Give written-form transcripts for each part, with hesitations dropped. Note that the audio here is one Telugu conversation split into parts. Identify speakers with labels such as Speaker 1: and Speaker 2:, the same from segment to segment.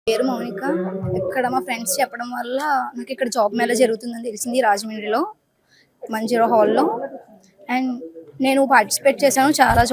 Speaker 1: పేరు మౌనిక. ఇక్కడ మా ఫ్రెండ్స్ చెప్పడం వల్ల నాకు ఇక్కడ జాబ్ మేళా జరుగుతుందని తెలిసింది రాజమండ్రిలో మంజీరా హాల్లో. అండ్ నేను పార్టిసిపేట్ చేశాను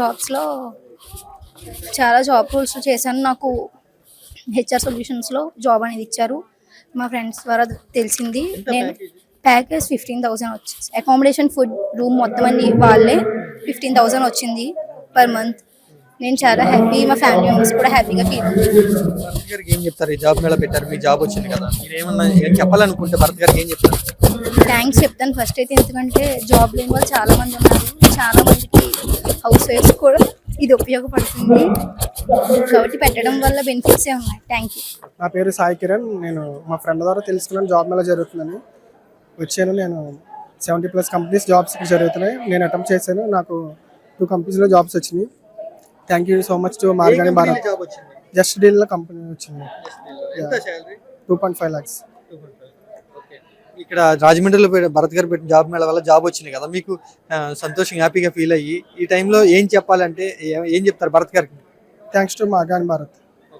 Speaker 1: చాలా జాబ్ రోల్స్ చేశాను. నాకు హెచ్ఆర్ సొల్యూషన్స్లో జాబ్ అనేది ఇచ్చారు. మా ఫ్రెండ్స్ ద్వారా తెలిసింది. నేను ప్యాకేజ్ 15,000 వచ్చింది. అకామిడేషన్, ఫుడ్, రూమ్ మొత్తం అన్ని వాళ్ళే 15,000 వచ్చింది పర్ మంత్. నేను చాలా హ్యాపీ, మా ఫ్యామిలీ మెంబర్స్ కూడా హ్యాపీగా ఫీల్ అవుతుంది.
Speaker 2: భరత్ గారికి ఏం చెప్తారు? ఈ జాబ్ మేళ పెట్టారు, మీ జాబ్ వచ్చింది కదా, మీరు ఏమన్నా చెప్పాలనుకుంటే భరత్ గారికి ఏం చెప్తారు?
Speaker 1: థ్యాంక్స్ చెప్తాను ఫస్ట్ అయితే, ఎందుకంటే జాబ్ లేని వాళ్ళు చాలా మంది ఉన్నారు. చాలా మందికి హౌస్ వైఫ్స్ కూడా ఇది ఉపయోగపడుతుంది కాబట్టి పెట్టడం వల్ల బెనిఫిట్సే ఉన్నాయి. Thank you.
Speaker 3: నా పేరు సాయి కిరణ్. నేను మా ఫ్రెండ్ ద్వారా తెలుసుకున్నాను జాబ్ మేళ జరుగుతుందని వచ్చాను. నేను 70+ కంపెనీస్ జాబ్స్ జరుగుతున్నాయి. నేను అటెంప్ట్ చేశాను. నాకు 2 కంపెనీస్లో జాబ్స్ వచ్చినాయి. Thank you so much to Margani Bharat. Just డీల్లో కంపెనీ వచ్చింది. 2.5 lakhs.
Speaker 2: ఇక్కడ రాజమండ్రిలో భరత్ గారు పెట్టిన జాబ్ మేళ వల్ల జాబ్ వచ్చింది కదా, మీకు సంతోషంగా హ్యాపీగా ఫీల్ అయ్యి ఈ టైంలో ఏం చెప్పాలంటే ఏం చెప్తారు భరత్ గారికి?
Speaker 3: Thanks to Margani Bharat.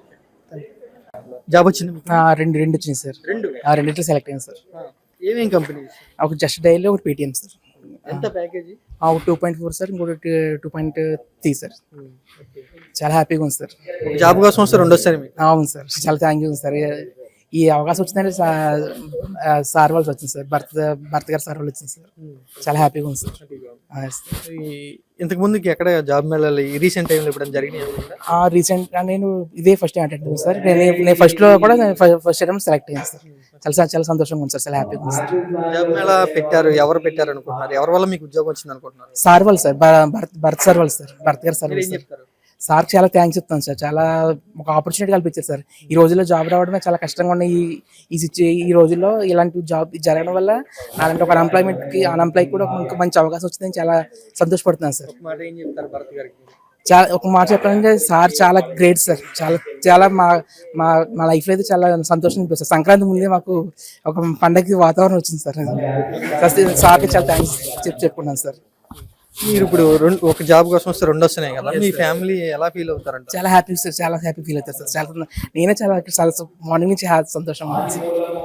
Speaker 2: Job వచ్చింది
Speaker 4: రెండు వచ్చింది సార్. రెండిట్లో సెలెక్ట్ అయ్యాను సార్.
Speaker 2: ఏమేం కంపెనీ?
Speaker 4: ఒక జస్ట్ డైలీ, ఒకటి పేటిఎం సార్.
Speaker 2: ఎంత ప్యాకేజీ?
Speaker 4: 2.4 సార్, ఇంకోటి 2.3 సార్. చాలా హ్యాపీగా ఉంది సార్.
Speaker 2: జాబ్ కోసం వస్తే 2 వస్తాయి మీకు?
Speaker 4: అవును సార్, చాలా థ్యాంక్ యూ సార్. ఈ అవకాశం వచ్చిందంటే సార్ వాళ్ళు వచ్చింది సార్, భర్త గారు సార్ వాళ్ళు వచ్చింది సార్. చాలా హ్యాపీగా ఉంది సార్.
Speaker 2: ఇంతకు ముందుకి ఎక్కడ జాబ్ మేళాలు ఈ రీసెంట్ టైంలో ఇప్పుడు జరిగినాయి?
Speaker 4: రీసెంట్ నేను ఇదే ఫస్ట్ టైం అటెండ్ సార్. నేను ఫస్ట్ లో కూడా ఫస్ట్ టైం సెలెక్ట్ అయ్యాను సార్. చాలా సంతోషంగా ఉంది సార్. చాలా హ్యాపీగా ఉంది సార్.
Speaker 2: జాబ్ మేళా పెట్టారు, ఎవరు పెట్టారు అనుకుంటున్నారు? ఎవరి వల్ల మీకు ఉద్యోగం వచ్చింది అనుకుంటున్నారు?
Speaker 4: సార్ వాళ్ళు సార్, భరత్ సార్ వాళ్ళు sir, Bharat garu sir. Sir చాలా థ్యాంక్స్ చెప్తాను సార్. చాలా ఒక ఆపర్చునిటీ కల్పించారు సార్. ఈ రోజుల్లో జాబ్ రావడమే చాలా కష్టంగా ఉన్న ఈ రోజుల్లో ఇలాంటి జాబ్ జరగడం వల్ల అలాంటి ఒక అన్ఎంప్లాయ్ కూడా ఒక మంచి అవకాశం వచ్చిందని చాలా సంతోషపడుతున్నాను సార్. చాలా ఒక మాట చెప్పాలంటే సార్ చాలా గ్రేట్ సార్. చాలా మా లైఫ్లో అయితే చాలా సంతోషం అనిపిస్తుంది. సంక్రాంతి ముందే మాకు ఒక పండగకి వాతావరణం వచ్చింది సార్. సార్కి చాలా థ్యాంక్స్ చెప్పుకున్నాను సార్.
Speaker 2: మీరు ఇప్పుడు ఒక జాబ్ కోసం వస్తే 2 వస్తున్నాయి కదా, మీ ఫ్యామిలీ ఎలా ఫీల్ అవుతారంట?
Speaker 4: చాలా హ్యాపీ సార్, చాలా హ్యాపీ ఫీల్ అవుతారు సార్. నేనే చాలా మార్నింగ్ నుంచి సంతోషం సార్.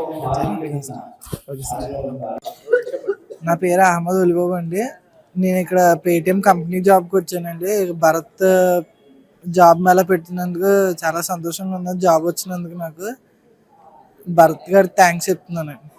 Speaker 5: నా పేరు అహ్మద్ ఉలిబాబు అండి. నేను ఇక్కడ పేటిఎం కంపెనీ జాబ్కి వచ్చానండి. భరత్ జాబ్ మేళ పెట్టినందుకు చాలా సంతోషంగా ఉన్నది. జాబ్ వచ్చినందుకు నాకు భరత్ గారికి థ్యాంక్స్ చెప్తున్నానండి.